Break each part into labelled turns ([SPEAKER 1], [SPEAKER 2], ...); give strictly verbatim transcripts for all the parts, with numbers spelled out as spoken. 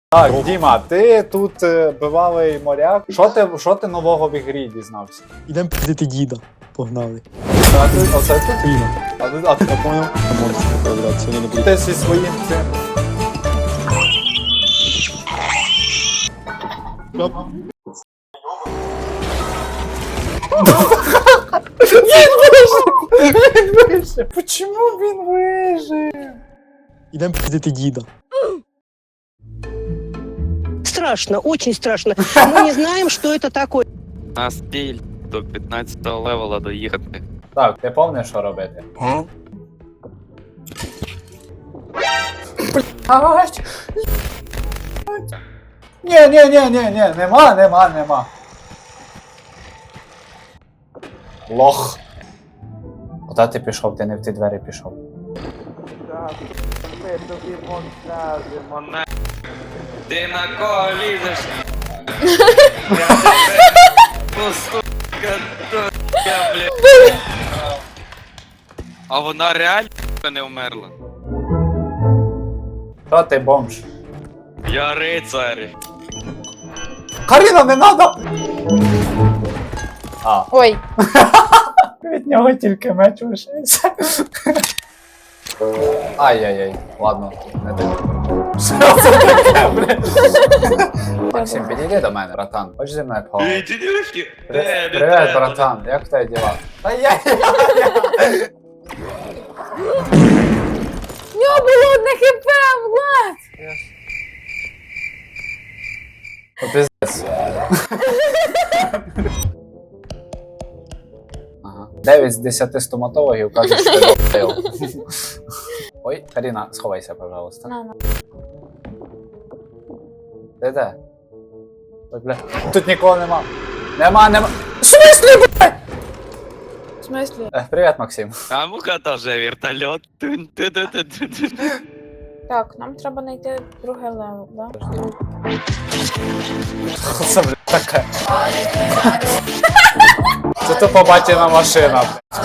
[SPEAKER 1] Так, Діма, ти тут е, бивалий моряк. Що ти, що ти нового в ігрі дізнався?
[SPEAKER 2] Ідемо піздити діда. Погнали.
[SPEAKER 1] А ти, оце тут?
[SPEAKER 2] Фіна.
[SPEAKER 1] А ти, а ти,
[SPEAKER 2] Я понял? Монстри появляться, вони не будуть.
[SPEAKER 1] ти зі своїм цим. Він вижив! Почему він вижив?
[SPEAKER 2] Ідемо піздити діда.
[SPEAKER 3] Страшно, очень страшно. Мы не знаем, что это такое.
[SPEAKER 4] На стіль до п'ятнадцятого левела доїхати.
[SPEAKER 1] Так, ти помниш, що робити? Блять! Ні, ні, ні, ні, ні, нема, нема, нема. Лох. Куди ти пішов? Ти не в ті двері пішов.
[SPEAKER 4] На... Ти на кого лізеш? Я, блядь. А вона реально не вмерла.
[SPEAKER 1] Що ти бомж?
[SPEAKER 4] Я рицар.
[SPEAKER 1] Каріна, не надо! А,
[SPEAKER 5] Ой,
[SPEAKER 1] від нього тільки меч лишився. Ай-яй-яй, ладно, не дай. Що це таке, блядь? Максим, підійди до мене, братан. Хочеш зі мною поговорити?
[SPEAKER 4] Дідюшки.
[SPEAKER 1] При- Привет, братан, як в тебе діла? Ай-яй-яй!
[SPEAKER 5] в нього було одне хп, Влад!
[SPEAKER 1] О, пиздец. Ага. дев'ять з десяти стоматологів кажуть, що ти долбив. Ой, Каріна, сховайся, пожалуйста.
[SPEAKER 5] На, на.
[SPEAKER 1] Де де? Ой, бля. Тут нікого нема. Нема, нема. В смислі, бля?
[SPEAKER 5] В смислі?
[SPEAKER 1] Е, Привіт, Максим.
[SPEAKER 4] А муха теж вертольот. Тун-ту-ту-ту-ту.
[SPEAKER 5] Так, нам треба знайти друге левел, да?
[SPEAKER 1] Що це, бля, таке? Це то побачена машина.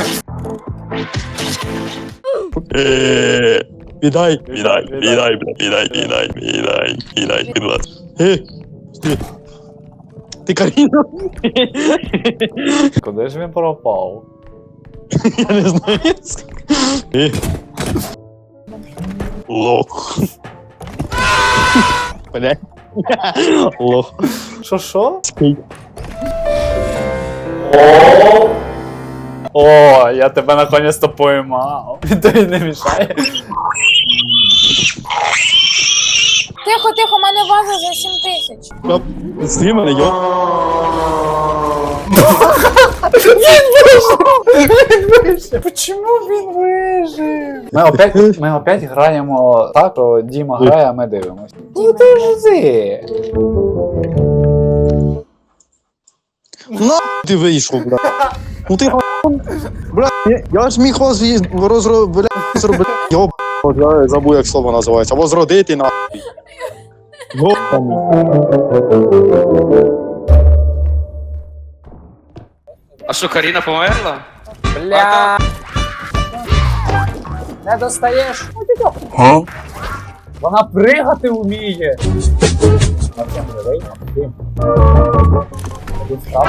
[SPEAKER 2] Віддай, віддай, віддай, віддай, віддай, віддай, віддай, будь ласка. Е, ти. Ти Каріна?
[SPEAKER 1] Куди ж він пропав?
[SPEAKER 2] Я не знаю. Е. Лох. Бля. Лох.
[SPEAKER 1] Що, що?
[SPEAKER 2] Скейт.
[SPEAKER 1] О, О, я тебе наконец-то поймав. Він тобі не мішає.
[SPEAKER 5] Тихо, тихо, у мене ваза за сім тисяч.
[SPEAKER 2] Стрій мене, йо.
[SPEAKER 1] Він вижив! Почему він вижив? Ми опять, ми опять граємо так, що Діма грає, а ми дивимося. Ну ти ж ти!
[SPEAKER 2] На ти вийшов, бля. Ну ти га**он. Бля, я- я ж міг вас їз- розро... бля, зробити. Йоб, я забув, як слово називається. Возродити на. Йобаний.
[SPEAKER 4] А що, Каріна померла?
[SPEAKER 1] Бля! Не достаєш?
[SPEAKER 2] Га?
[SPEAKER 1] Вона пригати вміє! Максим, живий? Максим. Один встав.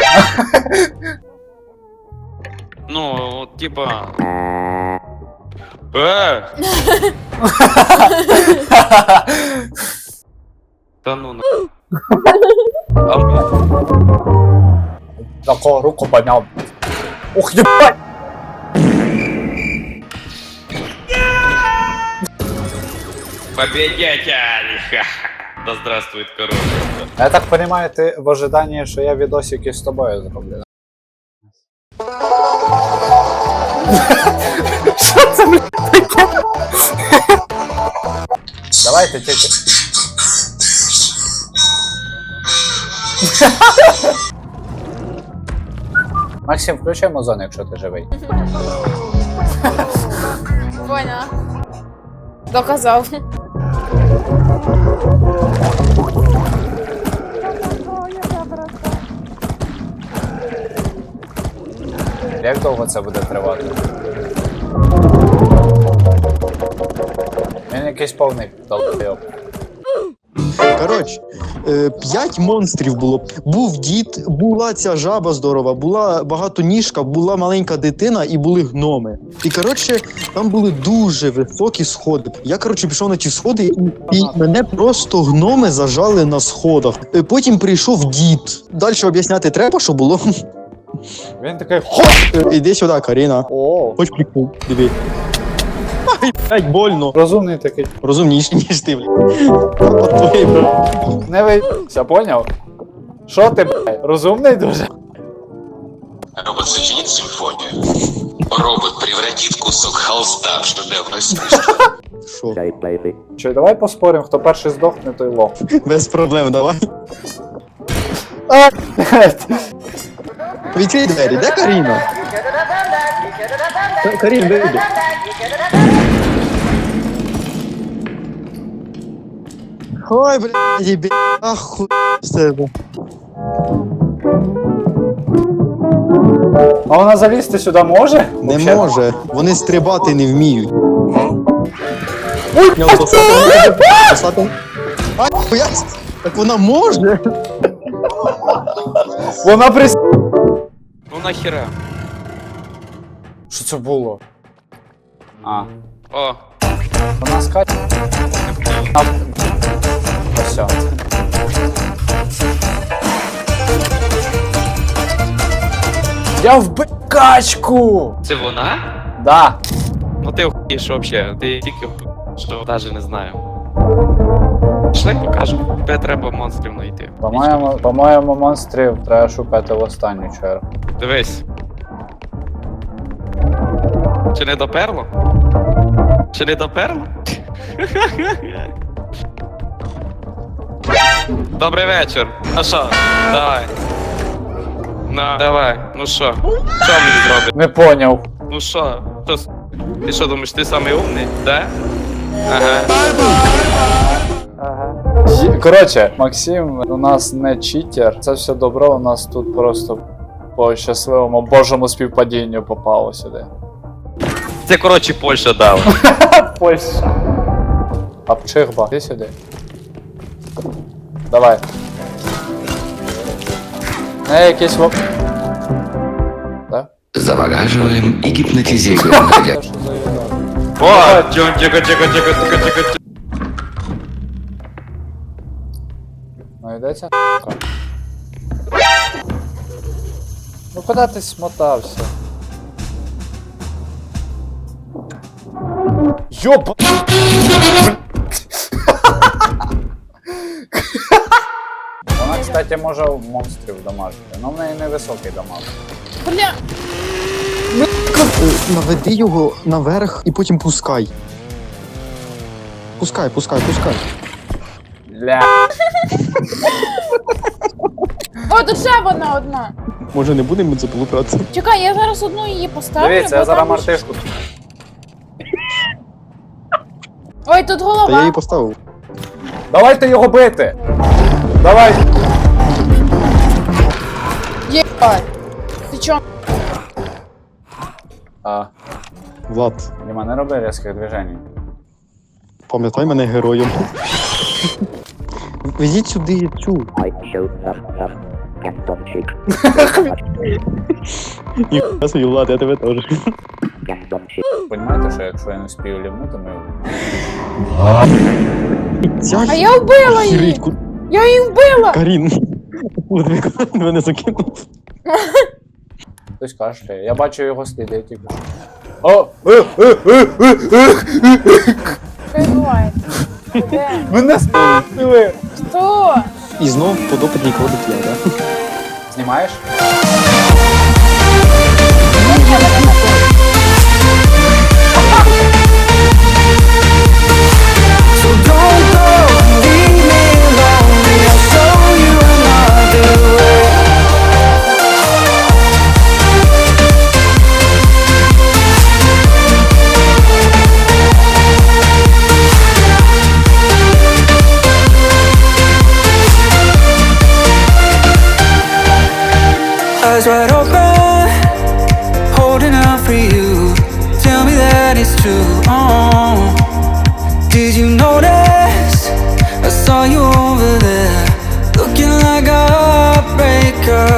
[SPEAKER 4] Ну, от, типа... Е! Та ну на... А ми-
[SPEAKER 1] Такого руку поднял. Ух, ебать!
[SPEAKER 4] Победитель! Ха-ха. Да здравствует корона.
[SPEAKER 1] Я так понимаю, ти в ожиданні, що я відосики з тобою зроблю. Що це, блядь, таке? Давайте тільки. Максим, включай музон, якщо ти живий.
[SPEAKER 5] Поняла. Доказав.
[SPEAKER 1] Як довго це буде тривати? Він якийсь повний долбойоб.
[SPEAKER 2] Коротше, е, п'ять монстрів було. Був дід, була ця жаба здорова, була багатоніжка, була маленька дитина і були гноми. І коротше, там були дуже високі сходи. Я коротше пішов на ті сходи, і, і мене просто гноми зажали на сходах. Е, Потім прийшов дід. Далі об'ясняти треба, що було.
[SPEAKER 1] Він такий
[SPEAKER 2] Е, Іди сюди, Каріна.
[SPEAKER 1] о,
[SPEAKER 2] Хоч прикол, диви. Ай, блядь, больно.
[SPEAKER 1] розумний такий.
[SPEAKER 2] Розумніший, ніж ти, блядь. От твоєї, блядь.
[SPEAKER 1] Не вийся, поняв? Що ти, блядь, розумний дуже?
[SPEAKER 6] Робот сочинит симфонию. Робот превратит кусок холста в шедевр искусства.
[SPEAKER 2] Що?
[SPEAKER 1] Чи давай поспоримо, хто перший здохне, той лох.
[SPEAKER 2] Без проблем, давай.
[SPEAKER 1] А,
[SPEAKER 2] Відкрий двері, де Каріна? Та- Карін, вийди. Ой, блядь, їбі, ахуй з тебе.
[SPEAKER 1] А вона залізти сюди може?
[SPEAKER 2] Не
[SPEAKER 1] Вообще?
[SPEAKER 2] може, вони стрибати не вміють. Ой, посадом. Ай, я... Так вона може?
[SPEAKER 1] Вона прис...
[SPEAKER 4] Ну нахіра.
[SPEAKER 1] Що це було? А,
[SPEAKER 4] О,
[SPEAKER 1] вона скаче. А, ось. Я вбив качку!
[SPEAKER 4] це вона?
[SPEAKER 1] Да.
[SPEAKER 4] Ну ти охуєш вообще, ти тільки що навіть не знаю. Пішли покажу. Тебе треба монстрів знайти.
[SPEAKER 1] По-моєму, по-моєму, монстрів треба шукати в останню чергу.
[SPEAKER 4] Дивись. Чи не доперло? Чи не доперло? Добрий вечір. Ну що, давай. Ну, давай. Ну що? Що мені зробити?
[SPEAKER 1] Не поняв.
[SPEAKER 4] Ну що? Що? с- Ти що думаєш, ти самий умний? Да? Ага.
[SPEAKER 1] Є- Коротше, Максим у нас не читер. Це все добро у нас тут просто по щасливому божому співпадінню попало сюди.
[SPEAKER 4] Це, коротше, Польща дала.
[SPEAKER 1] Польща. Апчихба, ти сюди. Давай. Не якийсь воп. Так?
[SPEAKER 6] Завораживаем и гипнотизируем.
[SPEAKER 1] Це що за їда?
[SPEAKER 4] О, тихо, тихо, тихо, тихо, тихо, тихо, тихо.
[SPEAKER 1] Ну йдеться. Ну куди ти смотався? Йоп! Вона, кстати, може монстрів дамажити, але в неї невисокий дамаг.
[SPEAKER 5] Бля,
[SPEAKER 2] Е, Наведи його наверх і потім пускай. Пускай, пускай, пускай.
[SPEAKER 1] Ля.
[SPEAKER 5] о, тут ще вона одна.
[SPEAKER 2] Може не будемо це полупрати?
[SPEAKER 5] Чекай, я зараз одну її поставлю.
[SPEAKER 1] Дивіться,
[SPEAKER 5] бо
[SPEAKER 1] я зараз
[SPEAKER 5] там-
[SPEAKER 1] мартишку.
[SPEAKER 5] Ой, тут
[SPEAKER 2] Та
[SPEAKER 5] голова.
[SPEAKER 2] я її поставив.
[SPEAKER 1] Давайте його бити! Давай!
[SPEAKER 5] Єбать. Ти чо?
[SPEAKER 1] А,
[SPEAKER 2] Влад,
[SPEAKER 1] Діма, не роби різких движень.
[SPEAKER 2] пам'ятай мене героєм. Везіть сюди цю.
[SPEAKER 7] I showed up, up, Gaston Chick,
[SPEAKER 2] Ніхуя собі, Влад, я тебе теж.
[SPEAKER 7] Gaston Chick,
[SPEAKER 1] Понімаєте, що якщо я не спію лівнути, ми...
[SPEAKER 2] Ця
[SPEAKER 5] А я вбила її.
[SPEAKER 2] хіритку.
[SPEAKER 5] Я її вбила.
[SPEAKER 2] Карін. От він мене закинув.
[SPEAKER 1] Хтось кашляє. Я бачу його сліди, тільки що. О! Е, е, е, е, е.
[SPEAKER 5] Що відбувається? Де?
[SPEAKER 1] Мене спили!
[SPEAKER 5] Хто?
[SPEAKER 2] І знов подопитний ходить я, да?
[SPEAKER 1] Знімаєш?
[SPEAKER 8] Eyes wide open Got